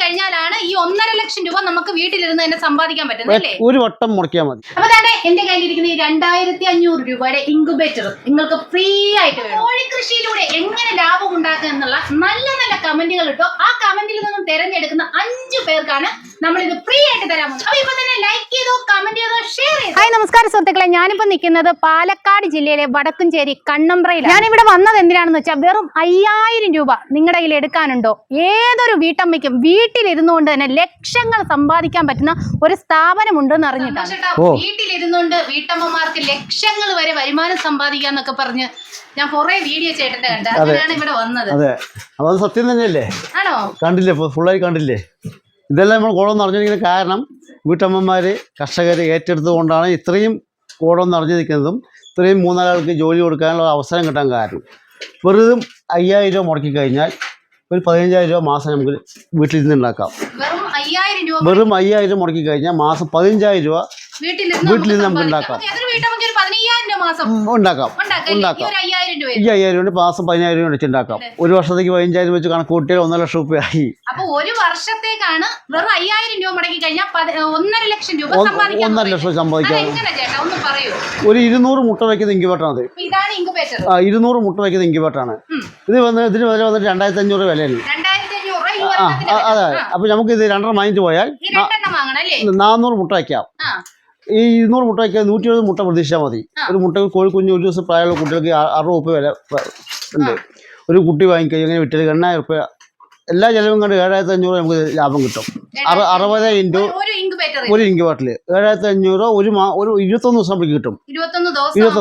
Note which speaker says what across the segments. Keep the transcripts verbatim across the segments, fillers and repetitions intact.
Speaker 1: കഴിഞ്ഞാലാണ് ഈ ഒന്നര ലക്ഷം രൂപ നമുക്ക് വീട്ടിലിരുന്ന് തന്നെ സമ്പാദിക്കാൻ പറ്റുന്നത് അല്ലേ?
Speaker 2: ഒരു വട്ടം മുടക്കിയാൽ മതി.
Speaker 1: അപ്പൊ തന്നെ എന്റെ കയ്യിലിരിക്കുന്ന ഈ രണ്ടായിരത്തി അഞ്ഞൂറ് രൂപയുടെ ഇൻക്യുബേറ്റർ നിങ്ങൾക്ക് ഫ്രീ ആയിട്ട് വേണം. കോഴിക്കൃഷിയിലൂടെ എങ്ങനെ ലാഭം ഉണ്ടാക്കുക എന്നുള്ള നല്ല നല്ല കമന്റുകൾ ഇട്ടോ. ആ കമന്റിൽ നിന്നും തിരഞ്ഞെടുക്കുന്ന അഞ്ചു പേർക്കാണ് നമ്മൾ ഇത് ഫ്രീ ആയിട്ട് തരാൻ പോകുന്നത്. അപ്പൊ ഇപ്പൊ തന്നെ ലൈക്ക് ചെയ്തോ, കമന്റ് ചെയ്തോ, ഷെയർ ചെയ്തോ. ഹായ് നമസ്കാരം സുഹൃത്തുക്കളെ, ഞാനിപ്പോ നിൽക്കുന്നത് പാലക്കാട് ജില്ലയിലെ വടക്കുംചേരി കണ്ണമ്പ്രയിലാണ്. ഞാനിവിടെ വന്നത് എന്തിനാണെന്ന് വെച്ചാൽ വെറും അയ്യായിരം രൂപ നിങ്ങളുടെ കയ്യിൽ എടുക്കാനുണ്ടോ? ഏതൊരു വീട്ടമ്മയ്ക്കും വീട്ടിലിരുന്നുകൊണ്ട് തന്നെ ലക്ഷങ്ങൾ സമ്പാദിക്കാൻ പറ്റുന്ന ഒരു സ്ഥാപനം ഉണ്ടെന്ന് അറിഞ്ഞിട്ടാണ്. വീട്ടിലിരുന്നുകൊണ്ട് വീട്ടമ്മമാർക്ക് ലക്ഷങ്ങൾ വരെ വരുമാനം സമ്പാദിക്കാന്നൊക്കെ പറഞ്ഞ് ഞാൻ കുറെ വീഡിയോ ചേട്ടന്റെ കണ്ട അതിനാണ് ഇവിടെ വന്നത്.
Speaker 2: അതെ, അത് സത്യം തന്നെയല്ലേ? ആണോ? കണ്ടില്ലേ, ഫുള്ളായി കണ്ടില്ലേ? ഇതെല്ലാം നമ്മൾ കോടം നിറഞ്ഞിരിക്കുന്ന കാരണം വീട്ടമ്മമാർ കർഷകർ ഏറ്റെടുത്തുകൊണ്ടാണ് ഇത്രയും കോടം നിറഞ്ഞു നിൽക്കുന്നതും ഇത്രയും മൂന്നാലാൾക്ക് ജോലി കൊടുക്കാനുള്ള അവസരം കിട്ടാൻ കാരണം. വെറുതെ അയ്യായിരം രൂപ മുടക്കി കഴിഞ്ഞാൽ ഒരു പതിനഞ്ചായിരം രൂപ മാസം നമുക്ക് വീട്ടിൽ നിന്ന് ഉണ്ടാക്കാം. വെറും അയ്യായിരം രൂപ മുടക്കി കഴിഞ്ഞാൽ മാസം പതിനഞ്ചായിരം രൂപ വീട്ടിൽ നിന്ന് നമുക്ക് ഉണ്ടാക്കാം ഉണ്ടാക്കാം ഉണ്ടാക്കാം ഈ അയ്യായിരം കൊണ്ട് മാസം പതിനായിരം രൂപ വെച്ച് ഉണ്ടാക്കാം. ഒരു വർഷത്തേക്ക് പതിനഞ്ചായിരം വെച്ച് കണക്ക് കൂട്ടിയാൽ ഒന്നര ലക്ഷം രൂപ ആയി.
Speaker 1: അപ്പൊ ഒരു വർഷത്തേക്കാണ് വെറും അയ്യായിരം രൂപ മുടക്കി കഴിഞ്ഞാൽ ഒന്നര ലക്ഷം രൂപ
Speaker 2: ഒന്നര ലക്ഷം സമ്പാദിക്കാം. ഒരു ഇരുന്നൂറ് മുട്ട വയ്ക്കുന്ന ഇൻക്യുബേറ്ററാണ് ഇത്. ആ ഇരുന്നൂറ് മുട്ട വയ്ക്കുന്ന ഇൻക്യുബേറ്ററാണ് ഇത്. വന്ന് ഇതിന് വില വന്നിട്ട് രണ്ടായിരത്തി അഞ്ഞൂറ് വിലയാണ്. ആ അതെ. അപ്പൊ നമുക്ക് ഇത് രണ്ടര വാങ്ങിച്ചു പോയാൽ നാന്നൂറ് മുട്ട വയ്ക്കാം. ഈ ഇരുന്നൂറ് മുട്ട വയ്ക്കാൻ നൂറ്റി എഴുപത് മുട്ട പ്രതീക്ഷിച്ചാൽ മതി. ഒരു മുട്ട കോഴിക്കുഞ്ഞ് ഒരു ദിവസം പ്രായമുള്ള കുട്ടികൾക്ക് അറുപത് രൂപ വില ഉണ്ട്. ഒരു കുട്ടി വാങ്ങിക്കഴിഞ്ഞാൽ ഇങ്ങനെ വിറ്റത് എണ്ണായിരം രൂപ എല്ലാ ചെലവും കണ്ട് ഏഴായിരത്തി അഞ്ഞൂറ് നമുക്ക് ലാഭം കിട്ടും. അറു അറുപത് ഇൻറ്റു ഒരു ഇൻക്യുബേറ്ററിൽ ഏഴായിരത്തി അഞ്ഞൂറ് ഒരു മാ ഒരു ഇരുപത്തൊന്ന് ദിവസം നമുക്ക് കിട്ടും. ഇരുപത്തൊന്ന്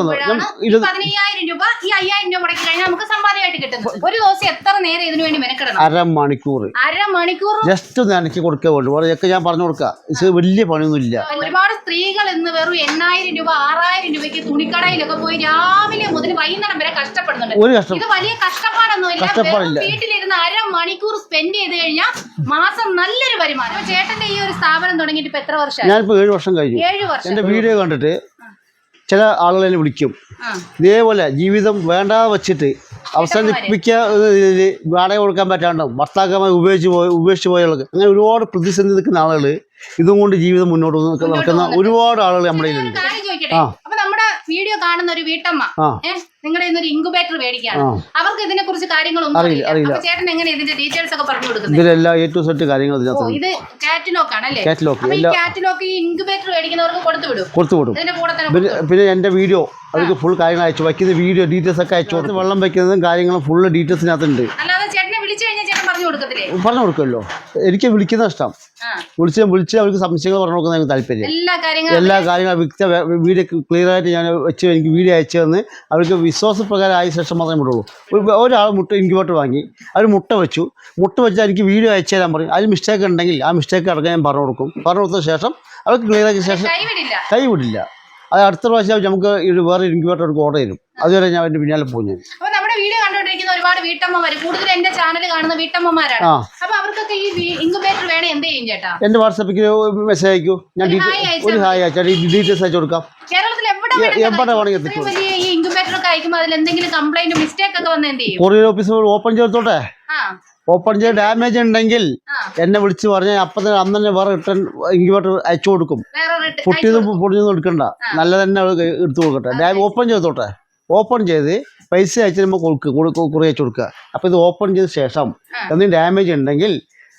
Speaker 2: അരമണിക്കൂർ
Speaker 1: അരമണിക്കൂർ
Speaker 2: ജസ്റ്റ് ഒന്ന് നനക്കി കൊടുക്കുക വേണ്ടു. അതൊക്കെ ഞാൻ പറഞ്ഞു കൊടുക്കുക. ഇത് വലിയ പണിയൊന്നും ഇല്ല.
Speaker 1: ഒരുപാട് സ്ത്രീകൾ ഇന്ന് വെറും എണ്ണായിരം രൂപ ആറായിരം രൂപയ്ക്ക് തുണിക്കടയിലൊക്കെ പോയി രാവിലെ മുതൽ വൈകുന്നേരം വരെ കഷ്ടപ്പെടുന്നുണ്ട്.
Speaker 2: ഒരു കഷ്ടം
Speaker 1: ഇത് വലിയ കഷ്ടപ്പാടൊന്നുമില്ല. വീട്ടിലിരുന്ന് അരമണിക്കൂർ സ്പെൻഡ് ചെയ്ത് കഴിഞ്ഞാൽ മാസം നല്ലൊരു വരുമാനം. ചേട്ടന്റെ ഈ ഒരു സ്ഥാപനം തുടങ്ങിയിട്ട് ഇപ്പൊ എത്ര വർഷം?
Speaker 2: ഞാനിപ്പോ ഏഴ് വർഷം കഴിഞ്ഞു.
Speaker 1: ഏഴ് വർഷം.
Speaker 2: എന്റെ വീഡിയോ കണ്ടിട്ട് ചില ആളുകൾ എന്നെ വിളിക്കും. ഇതേപോലെ ജീവിതം വേണ്ട വെച്ചിട്ട് അവസാനിപ്പിക്കുക വാടക കൊടുക്കാൻ പറ്റാണ്ടും ഭർത്താക്കന്മാർ ഉപയോഗിച്ച് പോയി ഉപേക്ഷിച്ച് പോയുള്ളത് അങ്ങനെ ഒരുപാട് പ്രതിസന്ധി നിൽക്കുന്ന ആളുകൾ ഇതും കൊണ്ട് ജീവിതം മുന്നോട്ട് നടക്കുന്ന ഒരുപാട് ആളുകൾ നമ്മുടെ കയ്യിലുണ്ട്.
Speaker 1: അപ്പൊ നമ്മുടെ വീഡിയോ കാണുന്ന ഒരു വീട്ടമ്മ നിങ്ങളുടെ ഇന്നൊരു ഇൻക്യുബേറ്റർ മേടിക്കാണ്. അവർക്ക് ഇതിനെ കുറിച്ച് കാര്യങ്ങളൊന്നും അറിയില്ല. ചേട്ടൻ എങ്ങനെ ഇതിന്റെ ഡീറ്റെയിൽസ് ഒക്കെ പറഞ്ഞു കൊടുക്കുന്നത്?
Speaker 2: ഇതിലെല്ലാം എ ടു സെറ്റ് കാര്യങ്ങൾ
Speaker 1: ഇത് കാറ്റലോഗ് ആണല്ലേ?
Speaker 2: കാറ്റലോഗ്
Speaker 1: ഈ കാറ്റലോഗ് ഈ ഇൻക്യുബേറ്റർ മേടിക്കുന്നവർക്ക് കൊടുത്തു വിടും
Speaker 2: കൊടുത്തു വിടും
Speaker 1: ഇതിന്റെ കൂടെ തന്നെ.
Speaker 2: പിന്നെ എന്റെ വീഡിയോ അവർക്ക് ഫുൾ കാര്യങ്ങൾ അയച്ചു വയ്ക്കുന്ന വീഡിയോ ഡീറ്റെയിൽസ് ഒക്കെ അയച്ചു കൊടുത്ത് വെള്ളം വയ്ക്കുന്നതും കാര്യങ്ങളും ഫുള്ള് ഡീറ്റെയിൽസിനകത്തുണ്ട്.
Speaker 1: അല്ലാതെ ചേട്ടനെ വിളിച്ചു കഴിഞ്ഞാൽ ചേട്ടൻ പറഞ്ഞു കൊടുക്കത്തില്ലേ?
Speaker 2: പറഞ്ഞു കൊടുക്കുമല്ലോ. എനിക്ക് വിളിക്കുന്ന ഇഷ്ടം. വിളിച്ച് വിളിച്ച് അവർക്ക് സംശയങ്ങൾ പറഞ്ഞു കൊടുക്കുന്ന എനിക്ക് താല്പര്യം. എല്ലാ കാര്യങ്ങളും വ്യക്ത വീഡിയോ ക്ലിയർ ആയിട്ട് ഞാൻ വെച്ച് എനിക്ക് വീഡിയോ അയച്ചു തന്ന് അവർക്ക് വിശ്വാസപ്രകാരം ആയ ശേഷം മാത്രമേ വിടുള്ളൂ. ഒരാൾ മുട്ട ഇൻക്യുബേറ്റർ വാങ്ങി അവർ മുട്ട വെച്ചു. മുട്ട വെച്ചാൽ എനിക്ക് വീഡിയോ അയച്ചു തരാൻ പറയും. അതിൽ മിസ്റ്റേക്ക് ഉണ്ടെങ്കിൽ ആ മിസ്റ്റേക്ക് അടക്കം ഞാൻ പറഞ്ഞു കൊടുക്കും. പറഞ്ഞു കൊടുത്ത ശേഷം അവർക്ക് ക്ലിയർ ആക്കിയ ശേഷം കൈവിടില്ല. അത് അടുത്ത പ്രാവശ്യം നമുക്ക് വേറെ ഇൻക്യുബേറ്റർ അവർക്ക് ഓർഡർ തരും. അതുവരെ ഞാൻ അതിന്റെ പിന്നാലെ പോകും. ഞാൻ
Speaker 1: വീഡിയോ കണ്ടുകൊണ്ടിരിക്കുന്ന ഒരുപാട് വീട്ടമ്മമാര് കൂടുതൽ എന്റെ ചാനൽ കാണുന്ന വീട്ടമ്മമാരാണ്. അപ്പൊ അവർക്കൊക്കെ ഈ ഇൻക്യുബേറ്റർ വേണേ എന്ത് ചെയ്യും ചേട്ടാ?
Speaker 2: എന്റെ വാട്സാപ്പിൽ മെസ്സേജ് അയക്കൂ. ഞാൻ ഒരു ഹായ് അയച്ചാൽ ഡീറ്റെയിൽസ് അയച്ചു കൊടുക്കാം.
Speaker 1: കേരളത്തിൽ എവിടെ വേണമെങ്കിൽ ഈ ഇൻക്യുബേറ്റർ ഒക്കെ അയക്കുമ്പോൾ അതിൽ എന്തെങ്കിലും കംപ്ലൈന്റ് മിസ്റ്റേക്ക് ഒക്കെ വന്ന് എന്ത് ചെയ്യും?
Speaker 2: കൊറിയർ ഓഫീസ് ഓപ്പൺ ചെയ്തോട്ടെ. ഓപ്പൺ ചെയ്ത് ഡാമേജ് ഉണ്ടെങ്കിൽ എന്നെ വിളിച്ച് പറഞ്ഞാൽ അപ്പം തന്നെ അന്ന് തന്നെ വേറെ റിട്ടേൺ ഇൻക്യുബേറ്റർ അയച്ചു കൊടുക്കും. പൊട്ടിയതും പൊടിയൊന്നും എടുക്കണ്ട, നല്ല തന്നെ എടുത്തു കൊടുക്കട്ടെ. ഓപ്പൺ ചെയ്തോട്ടെ. ഓപ്പൺ ചെയ്ത് പൈസ അയച്ച് നമ്മൾ കൊടുക്കുക കുറി അയച്ചു കൊടുക്കുക. അപ്പോൾ ഇത് ഓപ്പൺ ചെയ്ത ശേഷം എന്തെങ്കിലും ഡാമേജ് ഉണ്ടെങ്കിൽ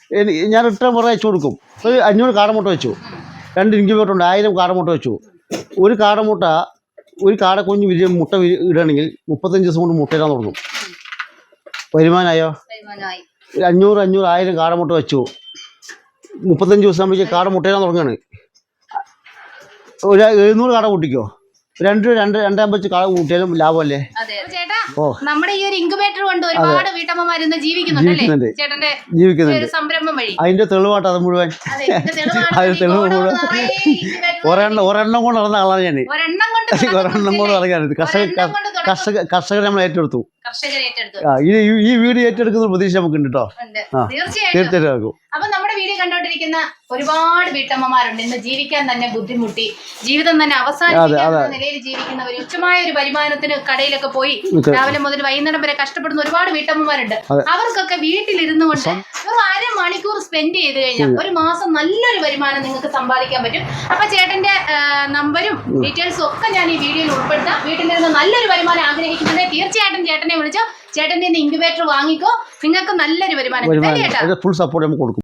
Speaker 2: ഞാൻ റിട്ടേൺ കുറേ അയച്ചു കൊടുക്കും. ഒരു അഞ്ഞൂറ് കാടമുട്ട വെച്ചു, രണ്ട് ഇൻക്യുബേറ്റർ ഉണ്ട്, ആയിരം കാടമുട്ട വെച്ചു. ഒരു കാടമുട്ട ഒരു കാട കുഞ്ഞ് വിരിയ മുട്ട ഇടുകയാണെങ്കിൽ മുപ്പത്തഞ്ച് ദിവസം കൊണ്ട് മുട്ട ഇടാൻ തുടങ്ങും. വരുമാനമായോ? അഞ്ഞൂറ് അഞ്ഞൂറ് ആയിരം കാടമുട്ട വെച്ചു. മുപ്പത്തഞ്ച് ദിവസം ആകുമ്പോഴേക്ക് കാട മുട്ട ഇടാൻ തുടങ്ങുകയാണ്. ഒരു എഴുന്നൂറ് കാട കൂട്ടിക്കോ. രണ്ട് രണ്ട് രണ്ടാം വെച്ച് കാള കൂട്ടിയാലും ലാഭമല്ലേ?
Speaker 1: ഓ, നമ്മുടെ ഈ ഒരു ഇൻക്യുബേറ്റർ കൊണ്ട് ഒരുപാട് വീട്ടമ്മമാർ ഇന്ന് ജീവിക്കുന്നുണ്ട്. ജീവിക്കുന്നുണ്ട് സംരംഭം വഴി.
Speaker 2: അതിന്റെ തെളിവാട്ട് അത് മുഴുവൻ അതിന്റെ തെളിവ് മുഴുവൻ ഒരെണ്ണം ഒരെണ്ണം കൊണ്ട് നടന്ന ആളാണ് ഞാൻ. ഒരെണ്ണം കൊണ്ട് നടക്കാനുണ്ട്. കർഷക കർഷക കർഷകരെ നമ്മൾ ഏറ്റെടുത്തു. ഈ വീഡിയോ ഏറ്റെടുക്കുന്ന പ്രതീക്ഷ നമുക്ക് ഉണ്ട് കേട്ടോ. തീർച്ചയായിട്ടും.
Speaker 1: അപ്പൊ നമ്മുടെ വീഡിയോ കണ്ടോണ്ടിരിക്കുന്ന ഒരുപാട് വീട്ടമ്മമാരുണ്ട് ഇന്ന് ജീവിക്കാൻ തന്നെ ബുദ്ധിമുട്ടി ജീവിതം തന്നെ അവസാനിപ്പിക്കുന്ന നിലയിൽ ജീവിക്കുന്നവർ ഉച്ചമായ ഒരു വരുമാനത്തിന് കടയിലൊക്കെ പോയി രാവിലെ മുതൽ വൈകുന്നേരം വരെ കഷ്ടപ്പെടുന്ന ഒരുപാട് വീട്ടമ്മമാരുണ്ട്. അവർക്കൊക്കെ വീട്ടിലിരുന്നു കൊണ്ട് വെറും അരമണിക്കൂർ സ്പെൻഡ് ചെയ്ത് കഴിഞ്ഞാൽ ഒരു മാസം നല്ലൊരു വരുമാനം നിങ്ങൾക്ക് സമ്പാദിക്കാൻ പറ്റും. അപ്പൊ ചേട്ടന്റെ നമ്പരും ഡീറ്റെയിൽസും ഒക്കെ ഞാൻ ഈ വീഡിയോയിൽ ഉൾപ്പെടുത്താം. വീട്ടിലിരുന്ന് നല്ലൊരു വരുമാനം ആഗ്രഹിക്കുന്നുണ്ടെങ്കിൽ തീർച്ചയായിട്ടും ചേട്ടനെ വിളിച്ചോ. ചേട്ടന്റെ ഇൻക്യുബേറ്റർ വാങ്ങിക്കോ, നിങ്ങൾക്ക് നല്ലൊരു വരുമാനം കിട്ടും.
Speaker 2: ഫുൾ സപ്പോർട്ട് നമുക്ക് കൊടുക്കും.